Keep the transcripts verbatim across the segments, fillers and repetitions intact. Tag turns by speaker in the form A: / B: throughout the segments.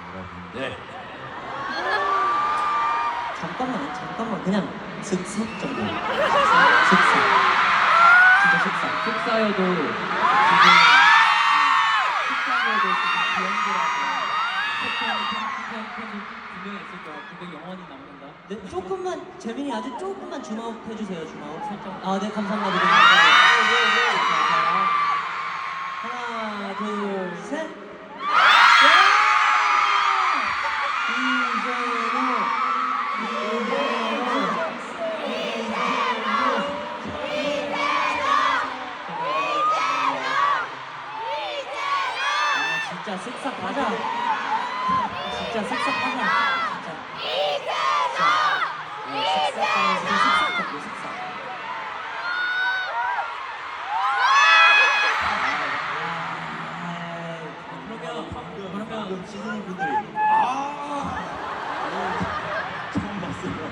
A: 여러분들.
B: 잠깐만, 잠깐만, 그냥 슥슥 정도. 슥슥. 진짜 슥슥.
C: 속사여도 지금 속사여도 지금 비행기라고 패턴 팬이 분명히 있을 거야. 그게 영원히 남는다.
B: 네, 조금만, 재민이 아주 조금만 줌아웃 해주세요, 줌아웃. 살짝. 아, 네, 감사합니다. 하나, 둘, 셋. 진짜 쓱싹하자. 진짜 쓱싹하자. 진짜. 쓱싹하면서 쓱싹하고 쓱싹.
A: 그러면 방금
C: 그러면
A: 방금 시즈니 분들이 아 처음 봤어요.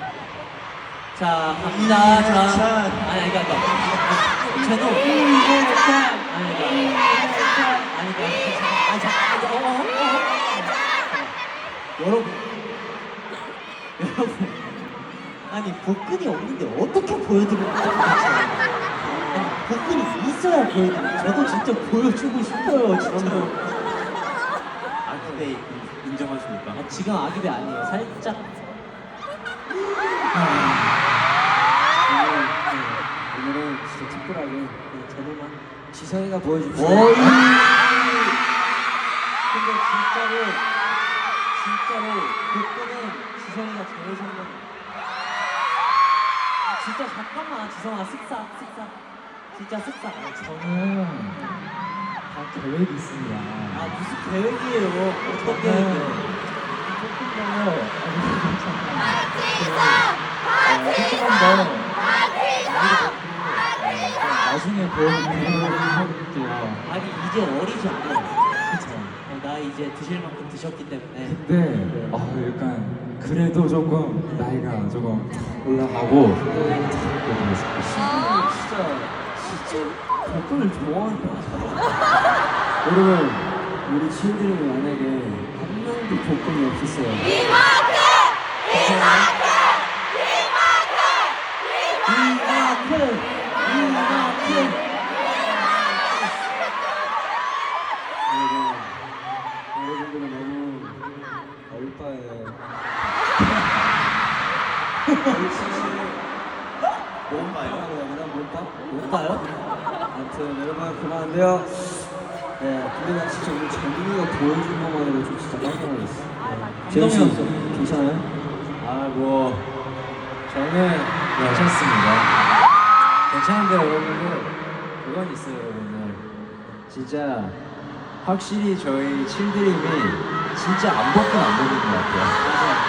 B: 자, 갑니다. 자.
A: 찬.
B: 아니, 그러니까. 제노. 아니, 그러니까. 아니, 그러니까. 아니, 잠깐만. 어, 어, 어, 어. 여러분. 여러분. 아니, 복근이 없는데 어떻게 보여드리는 거야? 아니, 복근이 있어야 보여드려요. 저도 진짜 보여주고 싶어요, 진짜.
A: 아 근데 인정하십니까?
B: 아, 지금 아기배 아니에요. 살짝.
D: 오늘은 진짜 특별하게
B: 네, 제노만.
D: 지성이가 보여줍시다.
B: 어이. 근데 진짜로 진짜로 복근은 지성이가 제일 성공. 아, 진짜 잠깐만 지성아 쓱싹 쓱싹 진짜 쓱싹.
D: 저는 다 계획이 있습니다.
B: 아 무슨 계획이에요? 어떤 계획이에요?
D: 조금 더 조금만 더 나중에 보여드리도록 할게요.
B: 아니 이제 어리지 않아요. 그쵸? 어, 나 이제 드실 만큼 드셨기 때문에.
E: 근데 어, 약간 그래도 조금 나이가 조금 올라가고
D: 진짜 진짜 복근을 좋아하는 것 같아요. 여러분 우리 친구들이 만약에 한 명도 복근이 없었어요.
B: 이만큼 이만큼.
D: 여러분 여러분들은 너무 얼빠예요.
A: 뭔가요?
D: 여러분 뭘까?
B: 뭘까요?
D: 아무튼 여러분 그만한데요. 네, 근데 나 진짜 오늘 재민이가 보여준 것만으로 좀 진짜 깜짝 놀랐어. 재민 씨
B: 감동이었어.
D: 괜찮아요?
E: 아 뭐 저는 괜찮습니다. 괜찮은데 여러분들 그건 있어요 여러분들 진짜 확실히 저희 칠드림이 진짜 안 벗긴 안 벗긴 것 같아요.